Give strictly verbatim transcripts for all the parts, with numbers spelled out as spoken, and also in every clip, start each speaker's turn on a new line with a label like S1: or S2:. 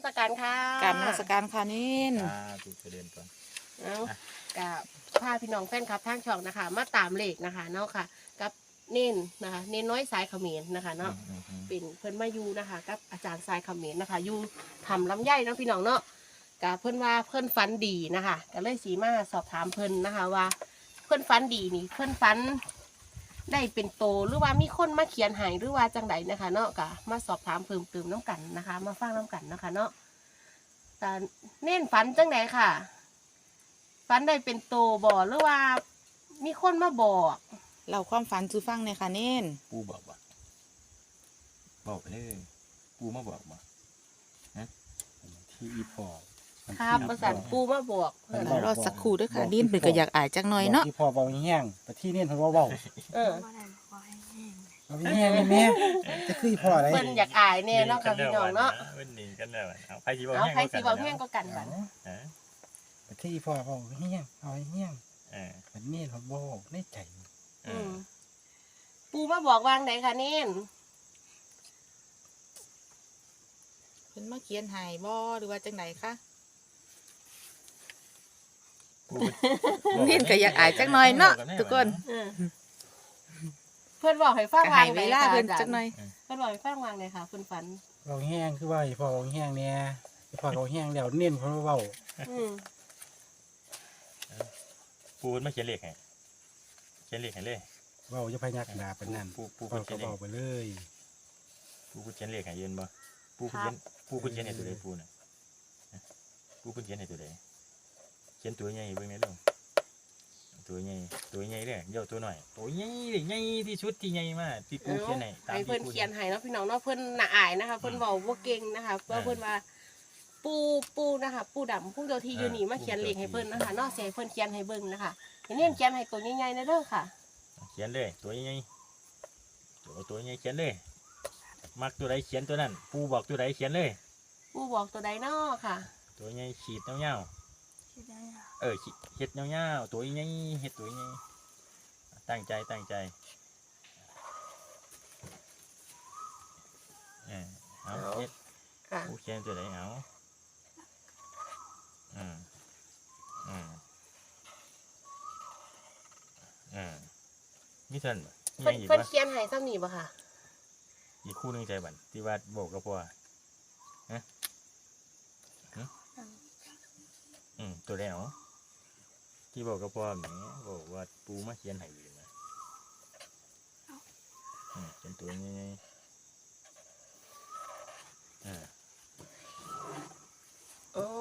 S1: สการค่ะ
S2: กราบนมัสการค่ะนิน
S3: อ่าถูกเดินก่อน
S1: เอากับพาพี่น้องแฟนคลับทางช่องนะคะ มาตามเลขนะคะเนาะค่ะ กับเน้นนะคะเน้นน้อยสายเขมรนะคะเนาะเป็นเพิ่นมาอยู่นะคะกับอาจารย์สายเขมรนะคะอยู่ทำลำไยเนาะพี่น้องเนาะกับเพิ่นว่าเพิ่นฝันดีนะคะก็เลยสีมาสอบถามเพิ่นนะคะว่า เพิ่นฝันดีนี่เพิ่นฝันได้เป็นโตหรือว่ามีคนมาเขียนให้หรือว่าจังใดนะคะ เนาะก็มาสอบถามเพิ่มเติมน้ำกันนะคะ มาฟังน้ำกันนะคะ เนาะแต่เน้นฝันจังใดค่ะฝันได้เป็นโตบ่หรือว่ามีคนมาบอก
S2: เราความฝันซื้อฟังเนี่ยค่ะนิน
S3: ปูบอกบ่บอกไปเลยปูมาบอกบ่ฮะที่อีพอ
S1: ครับประสานปูมาบอก
S2: เรารอสักครู่ด้วยค่ะนินเป็นก็อยากอายจักหน่อยเนาะ
S4: ที่พอเบาแห้งแต่ที่นี่เพิ่นว่าเบา
S1: เออ
S4: เอาแห้งแม่จะคือพออะไร
S1: เพิ่นอยากอายแน่เนาะค่ะพี่น้องเนาะ
S3: เว้นหนีกันแล้วเอาใครสิบอก
S1: เอา
S3: แห้ง
S1: ใครสิเว้าแห้งก็กันบัด
S3: ฮะ
S4: แต่ที่พอเบาแห้งเอาแห้ง
S3: เออ
S4: มันนี่เขาบอกในใจ
S3: เอ
S1: อื
S3: อ
S1: มปูมาบอกวางไหนคะเน้น
S2: เพิ่นมาเขียนให้บ่หรือว่าจังไหนคะ
S3: ปู
S2: นินก็อยากอายจักหน่อยเนาะทุกคน
S1: เออเพิ่นบอกให้ฟัง
S2: ก็
S1: วา
S2: ให้
S1: งไหน
S2: เวลา
S1: ค่ะ
S2: เพิ่น
S1: อาจาร
S2: จัก
S1: ย์
S2: หน่อย
S1: เพิ่นบอกให้ฟังวางไหนค่ะคุณฝัน
S4: เบาแห้งคือว่าพอเบาแห้งเนี่ยพอเบาแห้งแล้วเน้นเพราะว่าเบา
S1: อืม
S3: ปูมาเขียนเลขให้เขียนเลขให้เลย
S4: เบาจะพยักหน้าเป็นนั่น
S3: ปูปู
S4: พอ
S3: เขี
S4: ก็
S3: ยนเลข
S4: เบาไปเลย
S3: ปูเขียนเลขให้ยืนบ่ปูเขียนปูเขียนให้ตัวใดปูน่ะปูเขียนให้ตัวใดเขียนตัวใหญ่เบิ่งในเรื่องตัวใหญ่ตัวใหญ่เลยเดี๋ยวตัวหน่อยตัวใหญ่เลยใหญ่ที่สุดที่ใหญ่มากที่ปูเขียนให้ตาม
S1: ให้
S3: ที่
S1: เพิ่น
S3: ปู
S1: เขียนให้เนาะพี่น้องเนาะเพิ่นน่ะอายนะคะเพิ่นเว้าบ่เก่งนะคะเพราะเพิ่นว่า ปูปูนะคะ ปูดำผู้เจ้าที่อยู่นี่มาเขียนเลขให้เพิ่นนะคะเนอกเสียเพิ่นเขียนให้เบิ่งนะคะเห็นเน้นเขียนให้ตัวใหญ่ๆนะเด้อค่ะ
S3: เขียนเลยตัวใหญ่ตัวตัวใหญ่เขียนเลยมักตัวใดเขียนตัวนั้นปูบอกตัวใดเขียนเลย
S1: ปูบอกตัวใดนอค่ะ
S3: ตัวใหญ่ขีดเงาๆเออขีดเห็ดเงาๆตัวใหญ่เห็ดตัวใหญ่ตั้งใจตั้งใจเออเอาเห็ด
S1: ค่ะ
S3: ปูเขียนตัวใดเอาอืมอืมอืมนี่ท่านบ่
S1: เพิ่น
S3: ยังอีก
S1: เพิ่น
S3: วะ
S1: เขียนให้ซ้ำนี่บ่ค่ะ
S3: อีกคู่หนึงใจบันที่ว่าโบกกับพ่อฮะฮะอืมตัวใดเอาที่บอกกับพ่อแหมบอกว่าปูมาเขียนให้อยู่นะอืมเป็นตัวนี้อ่า
S1: อ๋อ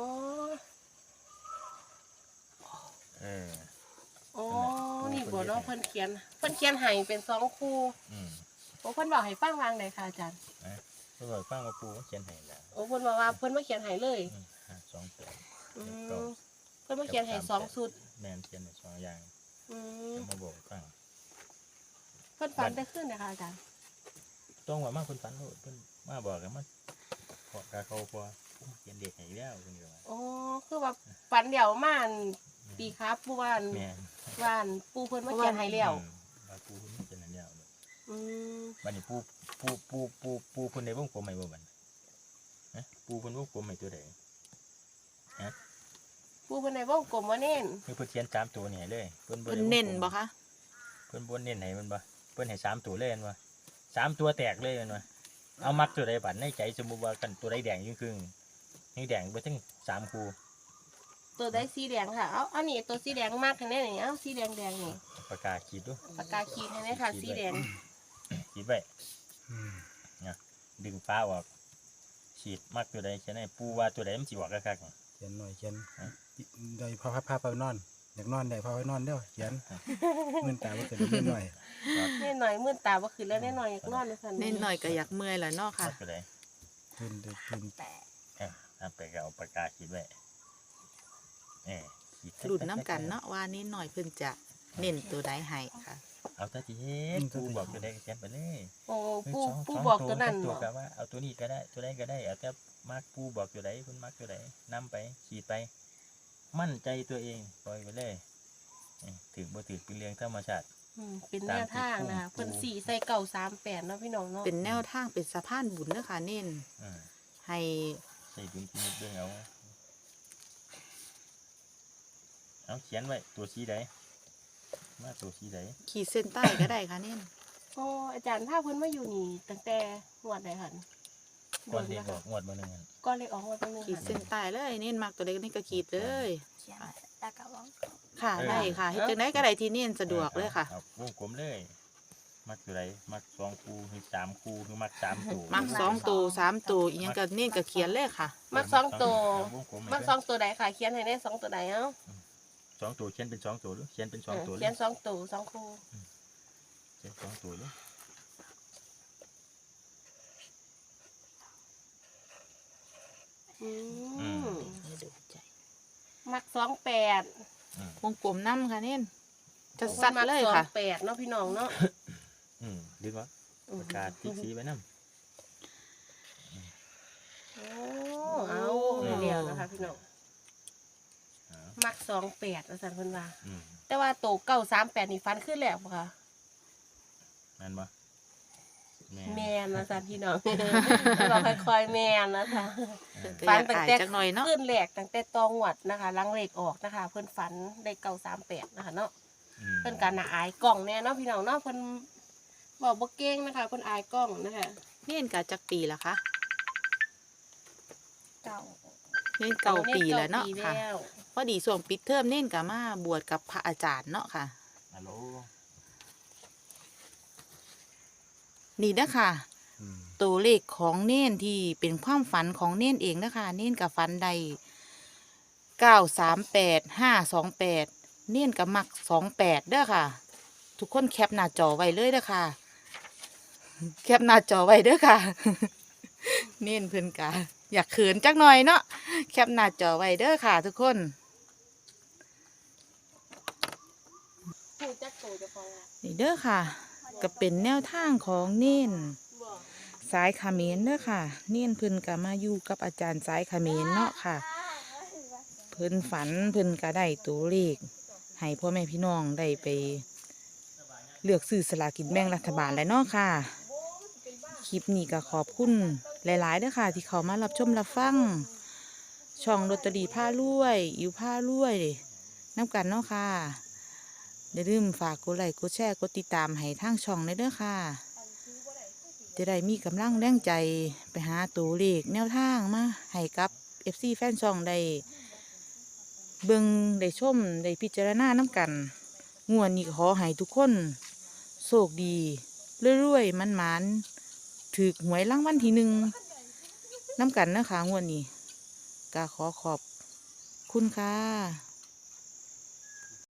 S3: เออ
S1: อ๋อนี่บ่เนาะเพิ่นเขียนเพิ่นเขียนให้เป็นสองคู่
S3: อืม
S1: โอ้เพิ่นบอกให้ฟังวางใดค่ะอาจารย์
S3: เพื่อบอกฟังว่าปูมาเขียนให้แล้ว
S1: โอ้เพิ่นบอกว่าเพิ่นมาเขียนให้เลย
S3: อืมห้าสองแปด
S1: อืมเพิ่นมาเขียนให้สองชุด
S3: แมนเขียนให้สองอย่าง
S1: อืม
S3: จะมาบอกฟัง
S1: เพิ่นฝันได้ขึ้นนะคะอาจารย์
S3: ต้องว่ามาคนฝันโลดเพิ่นมาบอกกันมาขอกาเขาพอปูเขียนเด็กให้แล้วเพิ่นก็ว่า
S1: อ๋อคือว่าฝันเดี๋ยวมาอันปีครับปูว่าอัน
S3: แม่น
S1: ว่าอันปูเพิ่นมาเขียนให้แล้ว
S3: อืมว่าปูเพิ่นเขียนให้แล้ว
S1: อืม
S3: บัดนี้ปูปูปูปูปูเพิ่นได้วงกลมให้บ่บัดฮะปูเพิ่นวงกลมให้ตัวใด
S1: ปูเพิ่นในวงกลมว่าเน้น
S3: คือเพิ่นเขียนสามตัวนี่ให้เลยเพิ่นบ่
S2: เพิ่น
S3: ได้วงกลม
S2: เน้นบ่คะ
S3: เพิ่นบ่เน้นให้มันบ่เพิ่นให้สามตัวเลยแม่นบ่สามตัวแตกเลยแม่นบ่เอามักตัวใดบัดในใจสมมุติว่ากันตัวใดแดงยิ่งครึ่งนี่แดงไปถึงสามคู่
S1: ตัวได้สีแดงค่ะ เอาอันนี้ตัวสีแดงมากแค่ไหนนี่เอาสีแดงแดงนี่
S3: ปากกาขีดดู
S1: ปากกาขีดให้ไหมค่ะสีแดง
S3: ขีดไว้
S4: อืม
S3: ดึงฟ้าออกขีดมักตัวใดเขียนให้ปูว่าตัวใดมันสิออกคักๆ
S4: เขียนหน่อยเขียนได้พอพาพาไปนอนอยากนอนได้พาไปนอนเด้อเขียนมื่นตาว่าเกิดเล่นหน่อย
S1: แน่หน่อยมื่นตาบ่ขึ้นแล้วแน่หน่อยอยากนอนเลยค่ะ
S2: เน้นหน่อยก็อยากเมื่อยแหละเนาะค่ะ
S3: มักตัวใด
S4: ขึ้นขึ้น
S1: แต่
S3: เอ้าเอาไปก็เอาปากกาขีดไว้เอ้ขีด
S2: รุ่นน้ำกันเนาะว่านิดหน่อยเพิ่นจะเน้นตัวใดให้ค่ะ
S3: เอาแต่ที่เฮ็ดปูบอกตัวใดก็เขียนไปเลย
S1: โอ้ปู
S3: สง
S1: ปู
S3: สง
S1: บอกตัวนั้น
S3: ตัว
S1: บ่
S3: ก็ว่าเอาตัวนี้ก็ได้ตัวใดก็ได้เอาแต่มักปูบอกตัวใดคุณมักตัวใดนำไปขีดไป มั่นใจตัวเองปล่อยไปเลยเอ้ยถือบ่ถือเป็นเรื่องธรรมชาติ
S1: อืมเป็นแนวทางนะคะเพิ่นสี่ใส่เก่าสามแปดเนาะพี่น้องเนาะ
S2: เป็นแนวทางเป็นสะพานบุญเด้อค่ะเน้น
S3: อืม
S2: ให้
S3: ใส่ดุลพินิจเบิ่งเอาเอาเขียนไว้ตัวสีใดมาตัวสีใด
S2: ขีดเส้นใต้ก็ได้ค่ะเน้น
S1: โอ้อาจารย์ถ้าเพิ่นมาอยู่นี่ตั้งแต่งวดใดหัน
S3: ก่อนเรียกบอกงวดมาหนึ่งอัน
S1: ก่อนเลยออกงวดตั้งนึง
S2: ขีดเส้นใต้เลยเน้นมากตัวเล็กนี่ก็ขีดเลย
S5: เขียนแล้วก็วงกลม
S2: ค่ะได้ค่ะเฮ็ดจังไดก็ได้ที่เน้นสะดวกเลยค่ะ
S3: อาวงกลมเลยมักตัวใดมักสองคูหรือสามคูหรือมักสามตัว
S2: มักสองตัวสามตัวอีหยังก็เน้นก็เขียนเลยค่ะ
S1: มักสองตัว
S3: วงกลม
S1: มักสองตัวใดค่ะ เขียนให้ได้สองตัวใดเอ้า
S3: สองตัวเขียนเป็นสองตัวหรือเขียนเป็นสองตัวหรื
S1: เขีย
S3: อน
S1: สองตัวสองคู่
S3: เขียนสองตัวหรือ
S1: อืม
S2: ให้ดูใจ
S1: มักสองแปด
S3: อืม
S2: วงกลมน้ำค่ะเน้นจะสัดเลยค่ะ
S1: สองแปดเนาะพี่น้องเนาะ
S3: อืมดึงวะประกาศที่สีไว้น้ำ
S1: โอ้เอาเดียวนะคะพี่น้อง
S3: อ่า
S1: มักสองแปดอาจารย์เพิ่นว่า
S3: อืม
S1: แต่ว่าโตเก้าสามแปดนี่ฟันขึ้นแล้วบ่ค่ะ
S3: นั่นปะแม่
S1: แมนนะจ๊ะพี่น้อง เราค่อยๆแมนนะคะ
S3: เออ
S2: ฝันตั้งแต่จักหน่อยเนาะ
S1: ขึ้นแหลกตั้งแต่ตองหวัดนะคะลังเลขออกนะคะ เพิ่นฝันได้เก้าสามแปดนะคะเนาะ
S3: อืม
S1: เพิ่นการน่ะอายกล้องแน่เนาะพี่น้องเนาะเพิ่นบอกบ่เก่งนะคะเพิ่นอายกล้องนะคะ
S2: เน้นกะจักปีละคะ
S5: เก่า
S2: เน้นเก่าปีแล้วเนาะ
S1: ก้ปี
S2: ค่ะ
S1: แล้ว
S2: พอดีส่วงปิดเทอมเน้นกะมาบวชกับพระอาจารย์เนาะค่ะ
S3: ฮัลโหล
S2: นี่นะค่ะ
S4: อืม
S2: ตัวเลขของเน้นที่เป็นความฝันของเน้นเองนะคะเน้นกับฝันใดเก้าสามแปดห้าสองแปดเน้นกับมักสองแปดเด้อค่ะ ทุกคนแคปหน้าจอไว้เลยเด้อค่ะ แคปหน้าจอไว้เด้อค่ะ เน้นเพิ่นกะอยากเขินจักหน่อยเนาะแคปหน้าจอไว้เด้อค่ะ ทุกคน
S1: ผู้จักโตเจะฟัง
S2: นี่เด้อค่ะ ก็เป็นแนวทางของเน้น
S1: บ่
S2: สายเขมรเด้อค่ะ เน้นเพิ่นก็มาอยู่กับอาจารย์สายเขมรเนาะค่ะ เพิ่นฝันเพิ่นก็ได้ตัวเลขให้พ่อแม่พี่น้องได้ไป เลือกซื้อสลากินแบ่งรัฐบาลแล้วเนาะค่ะ คลิปนี้ก็ขอบคุณหลายๆเด้อค่ะ ที่เขามารับชมรับฟัง ช่องลอตเตอรี่ผ้ารวย อิวผ้ารวยน้ำกันเนาะค่ะอย่าลืมฝากกดไลค์กดแชร์กดติดตามให้ทางช่องเลยเด้อค่ะ จะได้มีกำลังแรงใจไปหาตัวเลขแนวทางมาให้กับ เอฟ ซี แฟนช่องได้เบิ่งได้ชมได้พิจารณาน้ำกันงวดนี้ก็ขอให้ทุกคนโชคดีเรื่อยๆมันๆถือหวยรางวัลที่หนึ่งน้ำกันนะคะงวดนี้ก็ขอขอบคุณค่ะ